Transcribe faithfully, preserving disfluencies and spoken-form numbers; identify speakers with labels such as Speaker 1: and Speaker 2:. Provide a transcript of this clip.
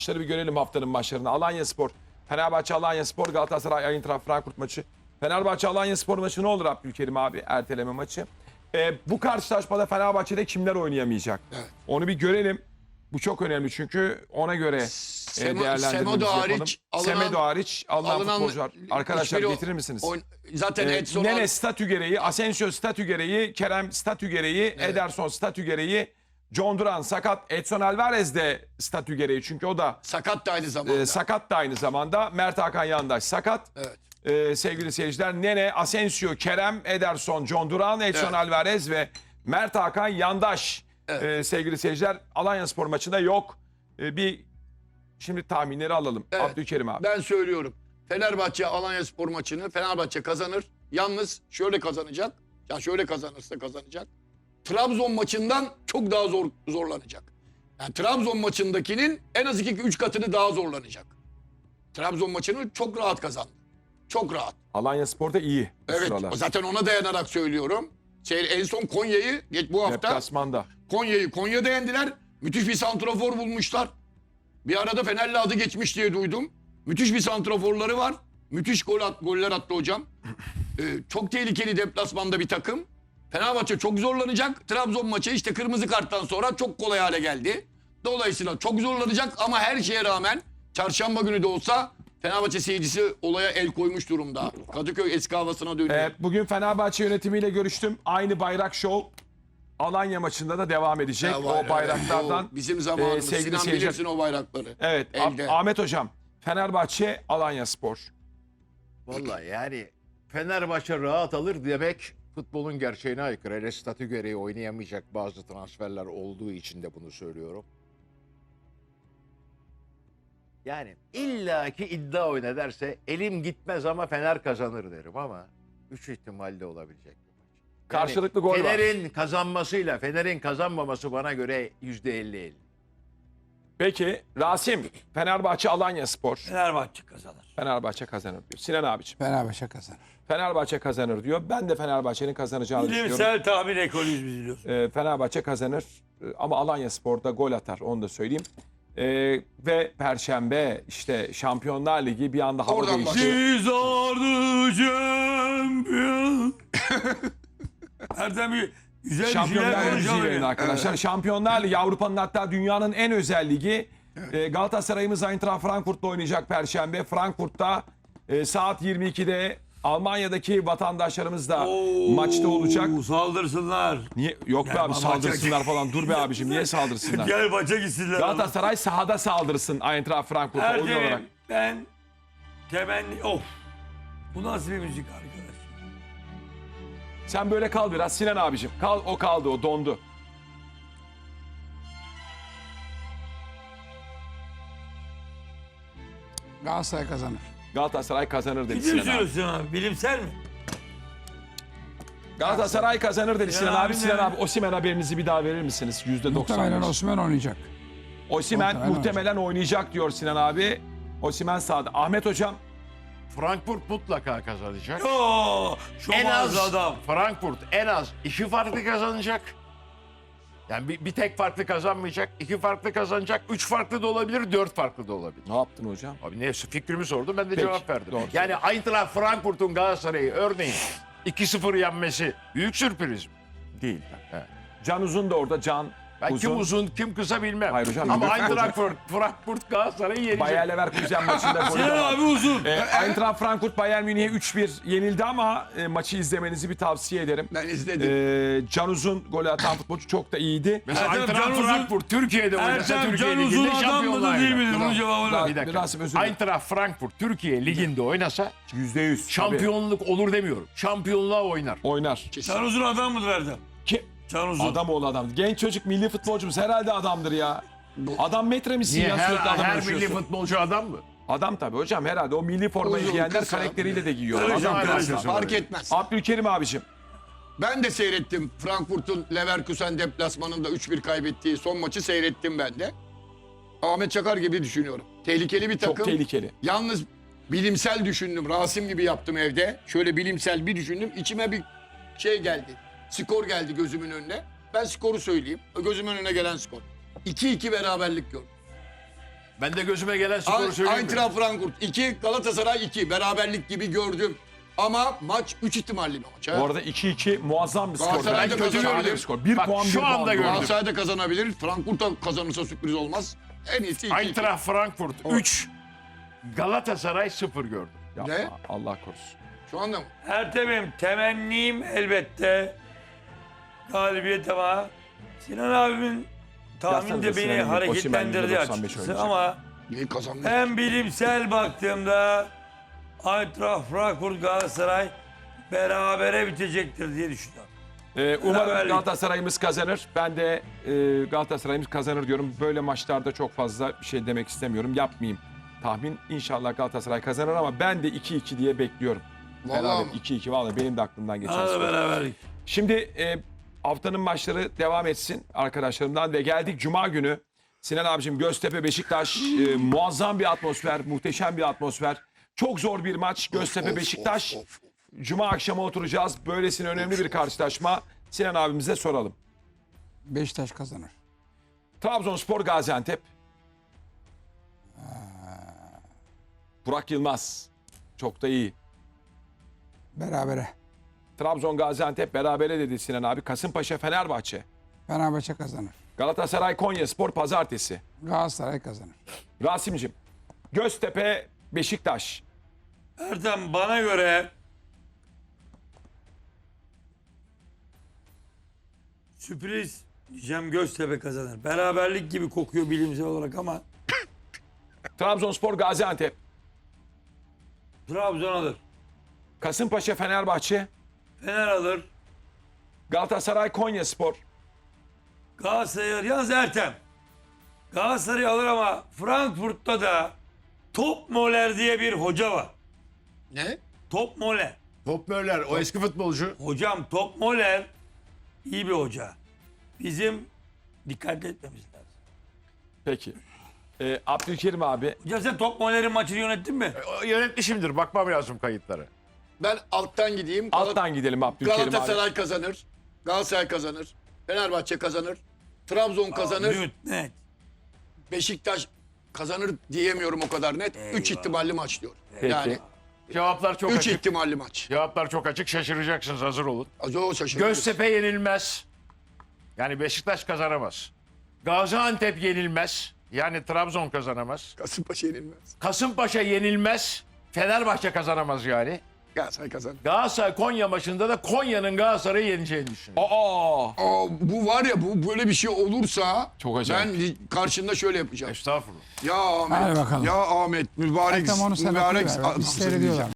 Speaker 1: maçları bir görelim haftanın maçlarını. Alanyaspor, Fenerbahçe Alanyaspor, Galatasaray Eintracht Frankfurt maçı. Fenerbahçe Alanyaspor maçı ne olur Abdülkerim abi? Erteleme maçı. Ee, bu karşılaşmada Fenerbahçe'de kimler oynayamayacak?
Speaker 2: Evet.
Speaker 1: Onu bir görelim. Bu çok önemli çünkü ona göre e,
Speaker 2: Semo-
Speaker 1: değerlendirmemizi
Speaker 2: Semedo
Speaker 1: yapalım.
Speaker 2: hariç alınan-
Speaker 1: Semedo hariç alınan,
Speaker 2: alınan
Speaker 1: futbolcular. Arkadaşlar
Speaker 2: hiçbiri
Speaker 1: getirir misiniz?
Speaker 2: oyn- zaten
Speaker 1: Ee,
Speaker 2: Edson
Speaker 1: Nene
Speaker 2: Al-
Speaker 1: statü gereği, Asensio statü gereği, Kerem statü gereği, Ederson statü gereği, John Duran sakat, Edson Alvarez de statü gereği çünkü o da
Speaker 2: sakat da aynı zamanda.
Speaker 1: e, sakat da aynı zamanda. Mert Hakan Yandaş sakat.
Speaker 2: Evet.
Speaker 1: Ee, sevgili seyirciler, Nene, Asensio, Kerem, Ederson, John Duran, Edson
Speaker 2: Evet.
Speaker 1: Alvarez ve Mert Hakan Yandaş.
Speaker 2: Evet.
Speaker 1: Ee, sevgili seyirciler, Alanyaspor maçında yok. Ee, bir şimdi tahminleri alalım.
Speaker 2: Evet.
Speaker 1: Abdülkerim abi.
Speaker 2: Ben söylüyorum. Fenerbahçe Alanyaspor maçını Fenerbahçe kazanır. Yalnız şöyle kazanacak. Ya şöyle kazanırsa kazanacak. Trabzon maçından çok daha zor zorlanacak. Yani Trabzon maçındakinin en az iki üç katını daha zorlanacak. Trabzon maçını çok rahat kazandı. Çok rahat.
Speaker 1: Alanyaspor da iyi bu
Speaker 2: Evet.
Speaker 1: sıralar.
Speaker 2: Zaten ona dayanarak söylüyorum. Şey, en son Konya'yı geç bu hafta
Speaker 1: Deplasmanda.
Speaker 2: Konya'yı Konya'da yendiler. Müthiş bir santrafor bulmuşlar. Bir arada Fenerli adı geçmiş diye duydum. Müthiş bir santraforları var. Müthiş gol at, goller attı hocam. Ee, çok tehlikeli deplasmanda bir takım. Fenerbahçe çok zorlanacak. Trabzon maçı işte kırmızı karttan sonra çok kolay hale geldi. Dolayısıyla çok zorlanacak ama her şeye rağmen çarşamba günü de olsa Fenerbahçe seyircisi olaya el koymuş durumda. Kadıköy eski havasına dönüyor.
Speaker 1: Ee, bugün Fenerbahçe yönetimiyle görüştüm. Aynı bayrak şov Alanya maçında da devam edecek.
Speaker 2: Ya var,
Speaker 1: o bayraklardan.
Speaker 2: evet. O bizim zamanımız.
Speaker 1: e, sevgili
Speaker 2: Sinan
Speaker 1: seyirciler-
Speaker 2: bilirsin o bayrakları.
Speaker 1: Evet.
Speaker 2: Elde.
Speaker 1: Ah- Ahmet Hocam. Fenerbahçe Alanyaspor.
Speaker 3: Vallahi yani Fenerbahçe rahat alır demek futbolun gerçeğine aykırı. Hele statü gereği oynayamayacak bazı transferler olduğu için de bunu söylüyorum. Yani illaki iddia oyna derse elim gitmez ama Fener kazanır derim ama üç ihtimalle olabilecek bir maç. Yani
Speaker 1: Karşılıklı gol var.
Speaker 3: Fener'in kazanmasıyla Fener'in kazanmaması bana göre yüzde elli elli.
Speaker 1: Peki Rasim. Fenerbahçe Alanyaspor.
Speaker 4: Fenerbahçe kazanır.
Speaker 1: Fenerbahçe kazanır diyor. Sinan abiciğim.
Speaker 5: Fenerbahçe kazanır.
Speaker 1: Fenerbahçe kazanır diyor. Ben de Fenerbahçe'nin kazanacağını düşünüyorum.
Speaker 4: Bilimsel tahmin ekolüyüz biz biliyoruz.
Speaker 1: Ee, Fenerbahçe kazanır. Ee, ama Alanyaspor'da gol atar. Onu da söyleyeyim. Ee, ve Perşembe işte Şampiyonlar Ligi bir anda hava
Speaker 2: Oradan
Speaker 1: değişti.
Speaker 4: Siz ordu şampiyon. Erdem bir güzel bir
Speaker 1: Şampiyonlar
Speaker 4: şeyler
Speaker 1: Ligi
Speaker 4: konuşalım
Speaker 1: yayını
Speaker 4: ya.
Speaker 1: arkadaşlar. Şampiyonlar Ligi Avrupa'nın hatta dünyanın en özel ligi. Ee, Galatasaray'ımız Eintracht Frankfurt'la oynayacak Perşembe. Frankfurt'ta e, saat yirmi ikide Almanya'daki vatandaşlarımız da
Speaker 4: Oo,
Speaker 1: maçta olacak.
Speaker 4: Saldırsınlar.
Speaker 1: Niye? Yok be abi
Speaker 4: maça-
Speaker 1: saldırsınlar falan. Dur be abicim niye saldırsınlar?
Speaker 4: Gel maça gitsinler.
Speaker 1: Galatasaray sahada saldırsın Eintracht Frankfurt'a oyun olarak.
Speaker 4: Erdem'im ben temenni... Of. Bu nasıl bir müzik arkadaş?
Speaker 1: Sen böyle kal biraz Sinan abicim. Kal, o kaldı, o dondu.
Speaker 5: Galatasaray kazanır.
Speaker 1: Galatasaray kazanır dedi
Speaker 4: Ciddi mi
Speaker 1: Sinan abi.
Speaker 4: söylüyorsun abi? Bilimsel mi?
Speaker 1: Galatasaray kazanır dedi Sinan
Speaker 4: Sinan
Speaker 1: abi.
Speaker 4: abi
Speaker 1: Sinan
Speaker 4: ne?
Speaker 1: abi Osimhen haberinizi bir daha verir misiniz? yüzde doksan
Speaker 5: Muhtemelen
Speaker 1: beş.
Speaker 5: Osimhen oynayacak.
Speaker 1: Osimhen
Speaker 5: Muhtemelen
Speaker 1: muhtemelen oynayacak diyor Sinan abi. Osimhen sağda. Ahmet hocam
Speaker 3: Frankfurt mutlaka kazanacak.
Speaker 4: Yo, şu
Speaker 3: En az
Speaker 4: adam.
Speaker 3: Frankfurt en az iki farklı kazanacak. Yani bir, bir tek farklı kazanmayacak, iki farklı kazanacak, üç farklı da olabilir, dört farklı da olabilir.
Speaker 1: ne yaptın hocam?
Speaker 3: Abi ne fikrimi sordum ben de
Speaker 1: Peki,
Speaker 3: cevap verdim.
Speaker 1: doğru
Speaker 3: Yani Eintracht Frankfurt'un Galatasaray'ı örneğin iki sıfır yenmesi büyük sürpriz mi?
Speaker 1: Değil.
Speaker 3: Evet.
Speaker 1: Can Uzun da orada. Can
Speaker 3: Ben
Speaker 1: Uzun.
Speaker 3: kim uzun kim kısa bilmem.
Speaker 1: Hayır hocam,
Speaker 3: Ama
Speaker 1: büyük
Speaker 3: Eintracht Frankfurt Galatasaray'ı yenecek.
Speaker 1: Bayer Leverkusen maçında golü de
Speaker 4: Sinan
Speaker 1: var.
Speaker 4: abi uzun.
Speaker 1: E, Eintracht Frankfurt Bayern Münih'e üç bir yenildi ama e, maçı izlemenizi bir tavsiye ederim.
Speaker 2: Ben izledim.
Speaker 1: E, Can Uzun golü atan futbolcu çok da iyiydi.
Speaker 3: Mesela
Speaker 4: Erdem
Speaker 3: Eintracht
Speaker 4: Can Uzun-
Speaker 3: Frankfurt Türkiye'de oynasa
Speaker 4: Ertem
Speaker 3: Türkiye
Speaker 4: Can Uzun
Speaker 3: Ligi'nde
Speaker 4: adam
Speaker 3: şampiyonluğa
Speaker 4: mıdır değil
Speaker 3: gider.
Speaker 4: midir? Bunun
Speaker 1: Bravo.
Speaker 4: cevabını.
Speaker 3: Bir dakika.
Speaker 1: Rasim özür dilerim.
Speaker 3: Eintracht Frankfurt Türkiye Ligi'nde oynasa
Speaker 1: Yüzde yüz.
Speaker 3: şampiyonluk olur demiyorum. Şampiyonluğa oynar.
Speaker 1: Oynar.
Speaker 4: Can uzun adam mıdır Erdem?
Speaker 1: Ki,
Speaker 4: Can uzun.
Speaker 1: adam oğlu adam. Genç çocuk milli futbolcumuz herhalde adamdır ya. Adam metre misin
Speaker 3: Niye
Speaker 1: ya
Speaker 3: her,
Speaker 1: sürekli adam
Speaker 3: her milli
Speaker 1: taşıyorsun.
Speaker 3: futbolcu adam mı?
Speaker 1: Adam tabii hocam herhalde o milli formayı
Speaker 2: Uzun,
Speaker 1: giyenler
Speaker 2: kısa.
Speaker 1: karakteriyle de giyiyor.
Speaker 4: Öyle
Speaker 1: Adam
Speaker 4: şey,
Speaker 1: kısa.
Speaker 4: öyle şey.
Speaker 2: Fark etmez.
Speaker 1: Abdülkerim abicim.
Speaker 2: Ben de seyrettim. Frankfurt'un Leverkusen deplasmanında üç bir kaybettiği son maçı seyrettim ben de. Ahmet Çakar gibi düşünüyorum. Tehlikeli bir takım.
Speaker 1: Çok tehlikeli.
Speaker 2: Yalnız bilimsel düşündüm. Rasim gibi yaptım evde. Şöyle bilimsel bir düşündüm. İçime bir şey geldi. Skor geldi gözümün önüne. Ben skoru söyleyeyim. Gözümün önüne gelen skor. iki iki beraberlik gördüm.
Speaker 3: Ben de gözüme gelen skoru söyleyeyim mi?
Speaker 2: Eintracht Frankfurt iki, Galatasaray iki. Beraberlik gibi gördüm. Ama maç üç ihtimalli bir maç. ha.
Speaker 1: Bu arada iki iki muazzam bir skor.
Speaker 2: Galatasaray da
Speaker 1: Kötü
Speaker 2: kazanabilir.
Speaker 1: bir skor. Bir
Speaker 3: Bak,
Speaker 1: puan,
Speaker 3: şu
Speaker 1: bir
Speaker 3: anda
Speaker 1: puan.
Speaker 3: gördüm.
Speaker 2: Galatasaray da kazanabilir. Frankfurt da kazanırsa sürpriz olmaz. En iyisi iki.
Speaker 3: Eintracht Frankfurt üç. Galatasaray sıfır gördüm.
Speaker 1: Yapma,
Speaker 2: Ne?
Speaker 1: Allah korusun.
Speaker 2: Şu anda mı?
Speaker 4: Ertem'im temennim elbette galibiyet ama Sinan abimin tahmin
Speaker 1: Yazsanıza
Speaker 4: de beni
Speaker 1: Sinan'ın
Speaker 4: hareketlendirdi
Speaker 1: Osimhen'in doksan beş
Speaker 4: açıkçası
Speaker 1: oynayacak.
Speaker 4: ama
Speaker 2: Neyi kazandı?
Speaker 4: hem bilimsel baktığımda Eintracht Frankfurt Galatasaray berabere bitecektir diye düşünüyorum.
Speaker 1: Ee, umarım
Speaker 4: Beraberlik.
Speaker 1: Galatasaray'ımız kazanır. Ben de e, Galatasaray'ımız kazanır diyorum. Böyle maçlarda çok fazla bir şey demek istemiyorum. Yapmayayım tahmin. İnşallah Galatasaray kazanır ama ben de iki iki diye bekliyorum.
Speaker 2: Vallahi
Speaker 1: Beraber
Speaker 2: mi?
Speaker 1: iki iki vallahi benim de aklımdan geçen.
Speaker 4: Hadi
Speaker 1: skor.
Speaker 4: beraberlik.
Speaker 1: Şimdi e, haftanın maçları devam etsin arkadaşlarımdan ve geldik Cuma günü. Sinan abicim Göztepe Beşiktaş e, muazzam bir atmosfer, muhteşem bir atmosfer. Çok zor bir maç Göztepe
Speaker 2: Of,
Speaker 1: Beşiktaş.
Speaker 2: of, of.
Speaker 1: Cuma akşamı oturacağız. Böylesine önemli bir karşılaşma. Sinan abimize soralım.
Speaker 5: Beşiktaş kazanır.
Speaker 1: Trabzonspor Gaziantep. Burak Yılmaz. Çok da iyi.
Speaker 5: Berabere.
Speaker 1: Trabzon Gaziantep berabere dedi Sinan abi. Kasımpaşa Fenerbahçe.
Speaker 5: Fenerbahçe kazanır.
Speaker 1: Galatasaray Konyaspor pazartesi.
Speaker 5: Galatasaray kazanır.
Speaker 1: Rasim'cim. Göztepe Beşiktaş.
Speaker 4: Ertem bana göre sürpriz diyeceğim Göztepe kazanır. Beraberlik gibi kokuyor bilimsel olarak ama
Speaker 1: Trabzonspor Gaziantep.
Speaker 4: Trabzon alır.
Speaker 1: Kasımpaşa Fenerbahçe.
Speaker 4: Fener alır.
Speaker 1: Galatasaray Konyaspor.
Speaker 4: Galatasaray alır. Yalnız Ertem. Galatasaray alır ama Frankfurt'ta da Top Moller diye bir hoca var.
Speaker 2: Ne?
Speaker 4: Top Moller.
Speaker 3: Top Möller o eski futbolcu.
Speaker 4: Hocam Top Moller iyi bir hoca. Bizim dikkat etmemiz lazım.
Speaker 1: Peki. Ee, Abdülkerim abi.
Speaker 4: Hocam sen Top Moller'in maçını yönettin mi?
Speaker 3: O Yönetmişimdir. Bakmam lazım kayıtlara.
Speaker 2: Ben alttan gideyim. Gal-
Speaker 1: Alttan gidelim Abdülkerim abi.
Speaker 2: Galatasaray kazanır. Galatasaray kazanır. Fenerbahçe kazanır. Trabzon kazanır.
Speaker 4: Net, net.
Speaker 2: Beşiktaş kazanır diyemiyorum o kadar net. Üç ihtimalli maç diyor.
Speaker 1: Peki.
Speaker 2: Yani
Speaker 3: Cevaplar çok
Speaker 2: üç
Speaker 3: açık.
Speaker 2: ihtimalli maç.
Speaker 3: Cevaplar çok açık. Şaşıracaksınız. Hazır olun.
Speaker 2: Az o şaşırdım.
Speaker 3: Göztepe yenilmez. Yani Beşiktaş kazanamaz. Gaziantep yenilmez. Yani Trabzon kazanamaz.
Speaker 2: Kasımpaşa yenilmez.
Speaker 3: Kasımpaşa yenilmez. Fenerbahçe kazanamaz yani.
Speaker 2: Galatasaray kazanır.
Speaker 3: Galatasaray Konya maçında da Konya'nın Galatasaray'ı yeneceğini düşünüyorum.
Speaker 1: Aa!
Speaker 2: Aa, bu var ya bu böyle bir şey olursa
Speaker 1: Çok acayip.
Speaker 2: ben karşında şöyle yapacağım.
Speaker 3: Estağfurullah.
Speaker 2: Ya Ahmet,
Speaker 5: Hadi bakalım.
Speaker 2: ya Ahmet, mübarek,
Speaker 5: Ertem onu sen
Speaker 2: mübarek
Speaker 5: okuyuver. Biz
Speaker 2: adamsın
Speaker 5: seyrediyorlar.
Speaker 2: diyeceğim.